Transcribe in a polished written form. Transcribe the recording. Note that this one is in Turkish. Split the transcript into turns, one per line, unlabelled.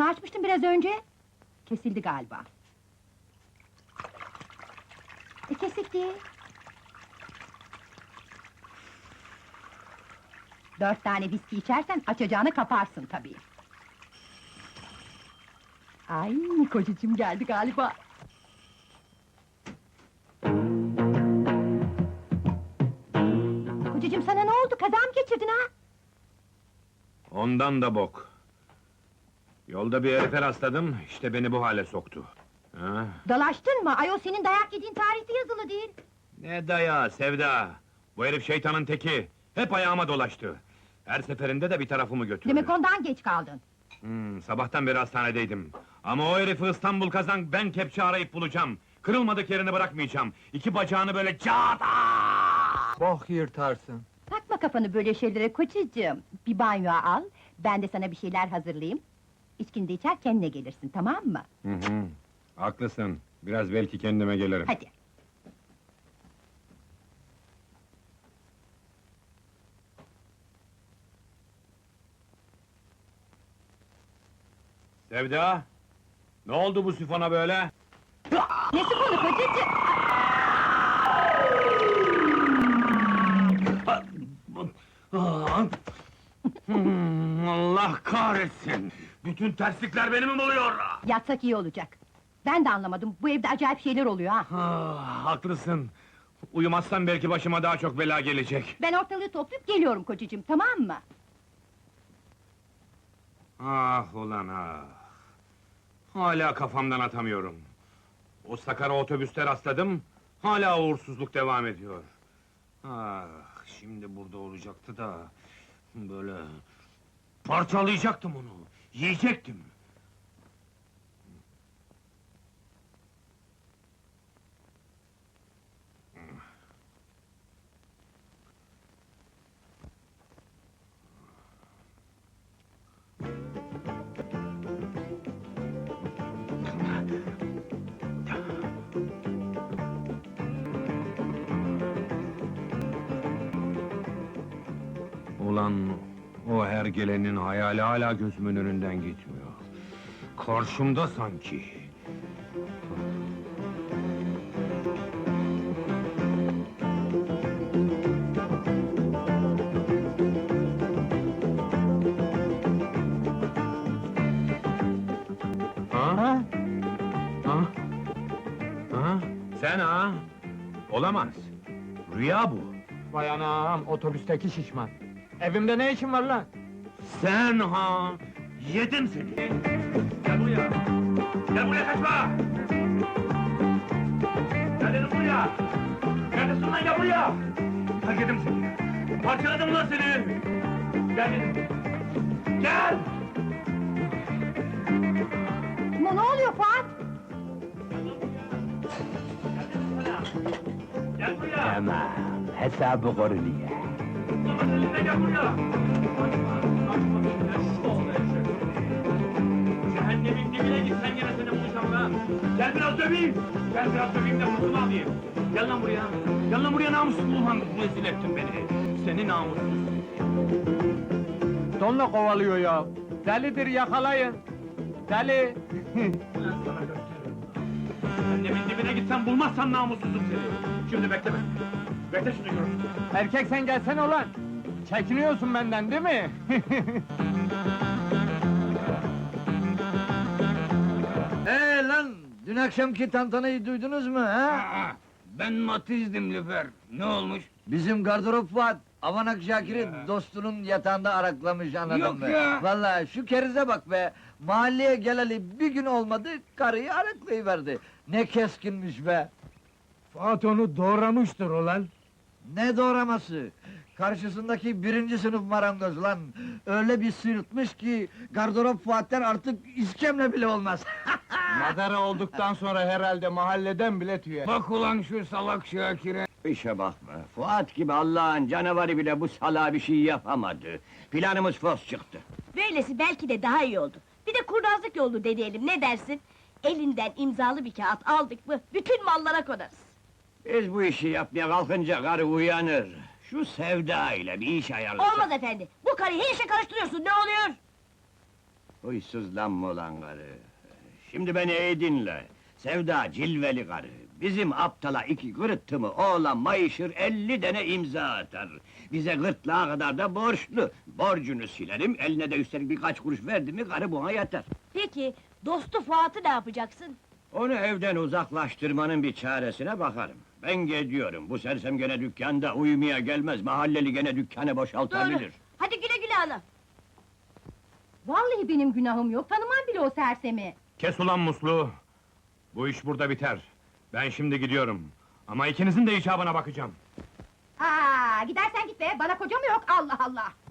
Telefonu açmıştım biraz önce. Kesildi galiba. Kesikti. 4 tane viski içersen açacağını kaparsın tabii. Ay, kocacığım geldi galiba. Kocacığım sana ne oldu? Kaza mı geçirdin ha?
Ondan da bok. Yolda bir herife rastladım, işte beni bu hale soktu. Ha?
Dalaştın mı? Ayol senin dayak yediğin tarihte yazılı değil.
Ne dayağı Sevda! Bu herif şeytanın teki, hep ayağıma dolaştı. Her seferinde de bir tarafımı götürdü.
Demek ondan geç kaldın.
Sabahtan beri hastanedeydim. Ama o herifi İstanbul kazan, ben kepçe arayıp bulacağım. Kırılmadık yerini bırakmayacağım. İki bacağını böyle cata!
Bok yırtarsın.
Takma kafanı böyle şeylere kocacığım. Bir banyoya al, ben de sana bir şeyler hazırlayayım. İçkini de içer kendine gelirsin, tamam mı?
Haklısın, biraz belki kendime gelirim.
Hadi.
Sevda! Ne oldu bu sifona böyle?
Ne sıkıntı kocacığım?
Allah kahretsin! Bütün terslikler beni mi buluyor?
Yatsak iyi olacak. Ben de anlamadım, bu evde acayip şeyler oluyor ha.
Haklısın! Uyumazsam belki başıma daha çok bela gelecek.
Ben ortalığı toplayıp geliyorum kocacığım, tamam mı?
Ah ulan ah! Hala kafamdan atamıyorum. O Sakara otobüste rastladım, hala uğursuzluk devam ediyor. Ah, şimdi burada olacaktı da... Böyle... Parçalayacaktım onu, yiyecektim! Ulan, o hergelenin hayali hala gözümün önünden gitmiyor. Karşımda sanki. Ha? Ha? Ha? Sen ha? Olamaz. Rüya bu.
Vay anam, otobüsteki şişman. Evimde ne işin var lan?
Sen ha? Yedim seni! Gel buraya! Gel buraya kaçma! Gel dedim buraya! Neredesin lan, gel buraya! Hak yedim seni! Parçaladım lan seni! Gel dedim! Gel!
Ne oluyor Fuat?
Gel buraya!
Tamam, hesabı korunuyor.
Babanın önüne gel buraya! Kaçma! Cehennemin dibine git, sen gene seni bulacağım lan! Gel biraz döveyim! Gel biraz döveyim de kurtunu alayım! Gel lan buraya! Gel lan buraya namussuz ulan! Rezil ettin beni! Seni namussuz!
Donla kovalıyor ya. Delidir, yakalayın. Deli!
Ulan sana gösteririm! Cehennemin dibine gitsen bulmazsan namussuzum seni! Şimdi bekleme! Bekle şimdi görürsün!
Erkek sen gelsene ulan! Çekiniyorsun benden değil mi?
Lan! Dün akşamki tantanayı duydunuz mu ha?
Ben matizdim Lüfer. Ne olmuş?
Bizim gardırop Fuat, Avanak Şakir'i dostunun yatağında araklamış, anladın
Yok
mı?
ya!
Vallahi şu kerize bak be! Mahalleye geleli bir gün olmadı, karıyı araklayıverdi. Ne keskinmiş be!
Fuat onu doğramıştır ulan.
Ne doğraması? Karşısındaki 1. sınıf marangoz lan! Öyle bir sırıtmış ki, gardırop Fuat'tan artık iskemle bile olmaz!
Madara olduktan sonra herhalde mahalleden bile tüyer.
Bak ulan şu salak Şakir'e! İşe bakma, Fuat gibi Allah'ın canavarı bile bu salağa bir şey yapamadı. Planımız fos çıktı.
Böylesi belki de daha iyi oldu. Bir de kurnazlık yolu deneyelim, ne dersin? Elinden imzalı bir kağıt aldık mı, bütün mallara konarız.
Biz bu işi yapmaya kalkınca karı uyanır. Şu Sevda ile bir iş ayarlasak.
Olmaz efendi, bu karıyı her işe karıştırıyorsun, ne oluyor?
Huysuzlanma ulan karı! Şimdi beni iyi dinle! Sevda cilveli karı! Bizim aptala iki kırıttı mı, oğlan mayışır 50 tane imza atar! Bize gırtlağa kadar da borçlu! Borcunu silerim, eline de üstelik birkaç kuruş verdi mi, karı buna yatar!
Peki, dostu Fuat'ı ne yapacaksın?
Onu evden uzaklaştırmanın bir çaresine bakarım. Ben gidiyorum, bu sersem gene dükkanda uyumaya gelmez, mahalleli gene dükkanı boşaltabilir.
Doğru. Hadi güle güle ana.
Vallahi benim günahım yok, tanımam bile o sersemi.
Kes ulan musluğu! Bu iş burada biter. Ben şimdi gidiyorum. Ama ikinizin de icabına bakacağım.
Aa, gidersen git be, bana koca mı yok, Allah Allah!